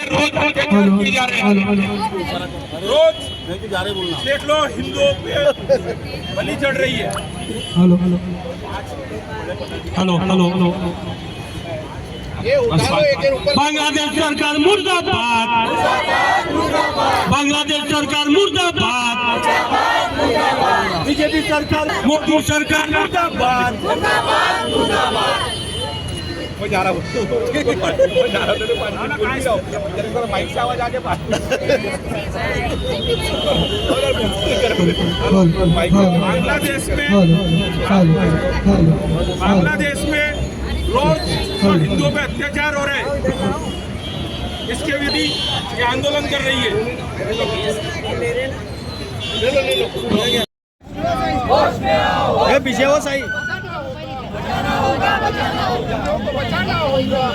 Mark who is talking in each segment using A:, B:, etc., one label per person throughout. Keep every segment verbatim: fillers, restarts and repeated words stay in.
A: रोज अत्याचार किए जा रहे हैं, रोज देख लो हिंदुओं पे बलि चढ़ रही है।
B: Hello hello hello hello hello Bangladesh सरकार मुर्दाबाद, बांग्लादेश सरकार मुर्दाबाद, बीजेपी सरकार, मोदी सरकार मुर्दाबाद।
A: वो जा रहा हूँ वो जा रहा हूँ माइक से आवाज आगे बांग्लादेश में बांग्लादेश में रोज हिंदुओं पे अत्याचार हो रहे हैं, इसके विरुद्ध ये आंदोलन कर रही है।
B: ये पीछे हो सही
C: बचाना होगा, बचाना होगा,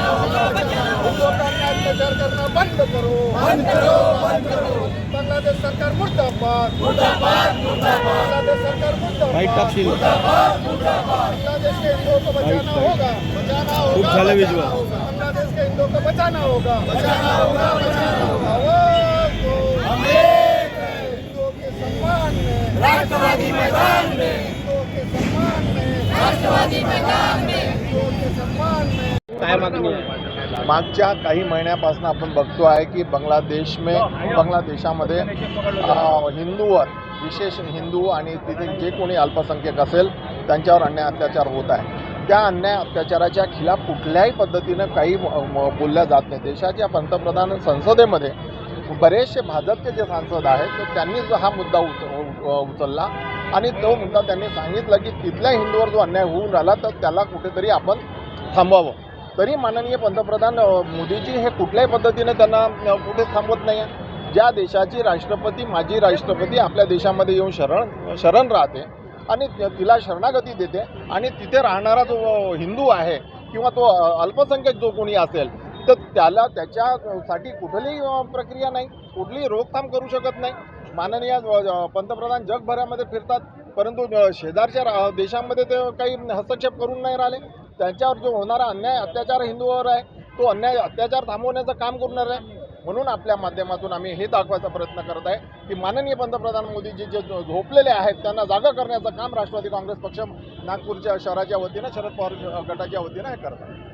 C: अत्याचार करना बंद करो, बंद करो, बंद करो। बांग्लादेश सरकार मुर्दाबाद, मुर्दाबाद, मुर्दाबाद। बांग्लादेश सरकार मुर्दाबाद, मुर्दाबाद, मुर्दाबाद। बांग्लादेश के हिंदुओं को बचाना होगा, बचाना होगा, बांग्लादेश के हिंदुओं को बचाना होगा, बचाना होगा, बचाना होगा। हम एक हैं, हिंदुओं के सम्मान में, राष्ट्रवादी मैदान में, हिंदुओं के सम्मान में, राष्ट्रवादी मैदान में, हिंदुओं के सम्मान में।
B: काय मागणी आहे?
D: मागच्या काही महिन्यापासून आपण बघतो आहे की बांगलादेश में बांगलादेशामध्ये हिंदूवर विशेष हिंदू आणि तिथे जे कोणी अल्पसंख्याक असेल त्यांच्यावर अन्याय अत्याचार होत आहे। त्या अन्याय अत्याचाराच्या खिलाफ कुठल्याही पद्धतीनं काही बोलल्या जात नाही। देशाच्या पंतप्रधान संसदेमध्ये बरेचसे भाजपचे जे सांसद आहेत तर त्यांनी जो हा मुद्दा उचलला आणि तो मुद्दा त्यांनी सांगितलं की तिथल्या हिंदूवर जो अन्याय होऊन राहिला तर त्याला कुठेतरी आपण थांबवावं। तरी माननीय पंतप्रधान मोदीजी हे कुठल्याही पद्धतीने त्यांना कुठेच थांबवत नाही आहे। ज्या देशाची राष्ट्रपती माजी राष्ट्रपती आपल्या देशामध्ये येऊन शरण शरण राहते आणि तिला शरणागती देते आणि तिथे राहणारा जो हिंदू आहे किंवा तो अल्पसंख्याक जो कोणी असेल तर त्याला त्याच्यासाठी कुठलीही प्रक्रिया नाही, कुठलीही रोकथाम करू शकत नाही। माननीय पंतप्रधान जगभरामध्ये फिरतात परंतु शेजारच्या देशांमध्ये ते काही हस्तक्षेप करून नाही राहिले। त्यांच्यावर जो होणारा अन्याय अत्याचार हिंदूवर आहे तो अन्याय अत्याचार थांबवण्याचं काम करणार आहे। म्हणून आपल्या माध्यमातून आम्ही हे दाखवायचा प्रयत्न करत आहे की माननीय पंतप्रधान मोदीजी जे झोपलेले आहेत त्यांना जागा करण्याचं काम राष्ट्रवादी काँग्रेस पक्ष नागपूरच्या शहराच्या वतीनं शरद पवार गटाच्या वतीनं हे करत आहे।